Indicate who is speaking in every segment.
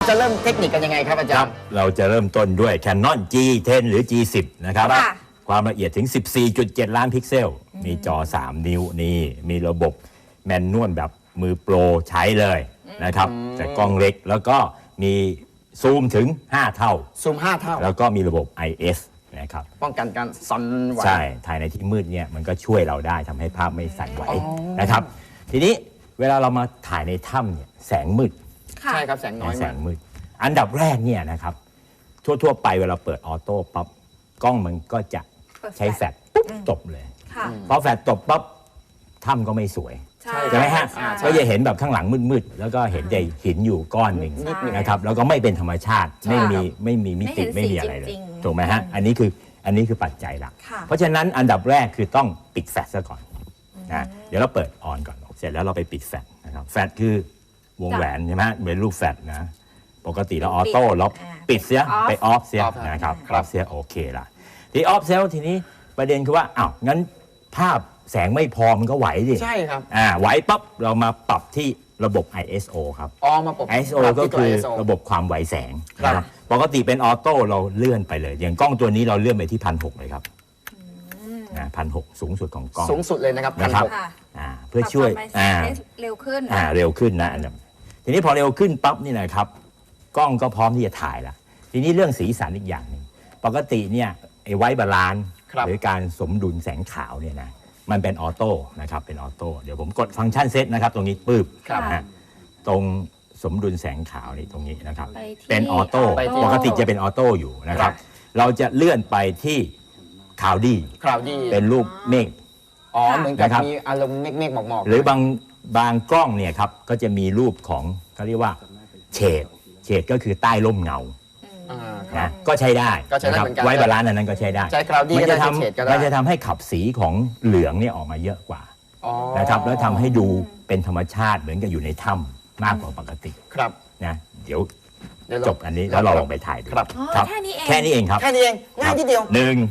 Speaker 1: จะเริ่มเทคนิคกันยังไงครับอาจารย์
Speaker 2: เราจะเริ่มต้นด้วย Canon G10 หรือ G10 นะครับความละเอียดถึง 14.7 ล้านพิกเซลมีจอ 3 นิ้วนี่มีระบบแมนนวลแบบมือโปรใช้เลยนะครับแต่กล้องเล็กแล้วก็มีซูมถึง 5 เท่า
Speaker 1: ซูม 5 เท่า
Speaker 2: แล้วก็มีระบบ IS นะครับ
Speaker 1: ป้องกันการสั่นไหว
Speaker 2: ใช่ถ่ายในที่มืดเนี่ยมันก็ช่วยเราได้ทำให้ภาพไม่สั่นไหวนะครับทีนี้เวลาเรามาถ่ายในถ้ำเนี่ยแสงมืด
Speaker 1: ใช่ครับแสงน้อย
Speaker 2: แสงมืดอันดับแรกเนี่ยนะครับทั่วไปเวลาเปิดออโต้ปั๊บกล้องมันก็จะใช้แฟลชปุ๊บตบเลยพอแฟลชตบปั๊บถ้ำก็ไม่สวยใช่ไหมฮะก็จะเห็นแบบข้างหลังมืดๆแล้วก็เห็นแต่หินอยู่ก้อนหนึ่งนะครับแล้วก็ไม่เป็นธรรมชาติไม่มีมิติไม่มีอะไรเลยถูกไหมฮะอันนี้คือปัจจัยหลักเพราะฉะนั้นอันดับแรกคือต้องปิดแฟลชซะก่อนนะเดี๋ยวเราเปิดออนก่อนเสร็จแล้วเราไปปิดแฟลชนะครับแฟลชคือวงแหวนใช่ไหมเป็นรูปแฟลชนะปกติเราออโต้เราปิดเสียไปออฟเสียนะครับออฟเสียโอเคละที่ออฟเซลทีนี้ประเด็นคือว่าอ้าวงั้นภาพแสงไม่พอมันก็ไหวดิ
Speaker 1: ใช่ครับ
Speaker 2: ไหวปั๊บเรามาปรับที่ระบบ ISO ครับ
Speaker 1: มาปรับ
Speaker 2: ISO ก็คือระบบความไหวแสงนะครับปกติเป็นออโต้เราเลื่อนไปเลยอย่างกล้องตัวนี้เราเลื่อนไปที่ 1,600 เลยครับ1,600 สูงสุดของกล้อง
Speaker 1: สูงสุดเลยนะครับ
Speaker 2: เพื่อช่วย
Speaker 3: เร็วขึ้น
Speaker 2: นะทีนี้พอเร็วขึ้นปั๊บนี่นะครับกล้องก็พร้อมที่จะถ่ายละทีนี้เรื่องสีสันอีกอย่างหนึ่งปกติเนี่ยไอ้ไวท์บาลานซ์หรือการสมดุลแสงขาวเนี่ยนะมันเป็นออโต้นะครับเป็นออโต้เดี๋ยวผมกดฟังก์ชันเซตนะครับตรงนี้ปึ๊บนะตรงสมดุลแสงขาวนี่ตรงนี้นะครับเป็นออโต้ปกติจะเป็นออโต้อยู่นะครับเราจะเลื่อนไปที่คลาวดี้เป็นรูปเมฆ
Speaker 1: เหมือนกับมีอารมณ์เมฆหมอก
Speaker 2: หรือบางกล้องเนี่ยครับก็จะมีรูปของเขาเรียกว่าเฉดก็คือใต้ร่มเงานะก็ใช้ได้นะครับไว้บาลานซ์นั้นก็ใช้ได้มันจะทำให้ขับสีของเหลืองเนี่ยออกมาเยอะกว่านะครับแล้วทำให้ดูเป็นธรรมชาติเหมือนกับอยู่ในถ้ำมากกว่าปกตินะเดี๋ยวจบอันนี้แล้วเราลองไปถ่ายดู
Speaker 3: ครับแค่นี้
Speaker 2: เองครับ
Speaker 1: แค่นี้เองง่ายทีเดียว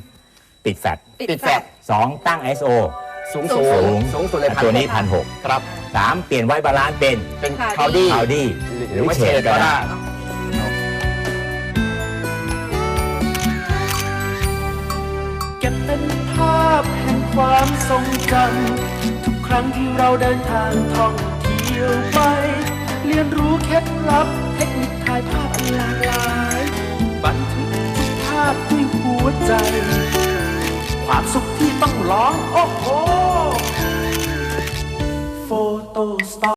Speaker 2: 1ปิดแฟลช2ตั้ง ISO
Speaker 1: สูงสุดเลย
Speaker 2: ตัวนี้ 1,600 ครับ3เปลี่ยนไว้บาลานซ์เป็น
Speaker 1: คลาวดี้
Speaker 2: หรือเฉดก็ได้
Speaker 4: เก็บเป็นภาพแห่งความทรงจำทุกครั้งที่เราเดินทางท่องเที่ยวไปเรียนรู้เคล็ดลับเทคนิคถ่ายภาพหลากหลายบันทึกทุกภาพด้วยหัวใจความสุขที่ต้องร้องโอ้โหโฟโต้สตอ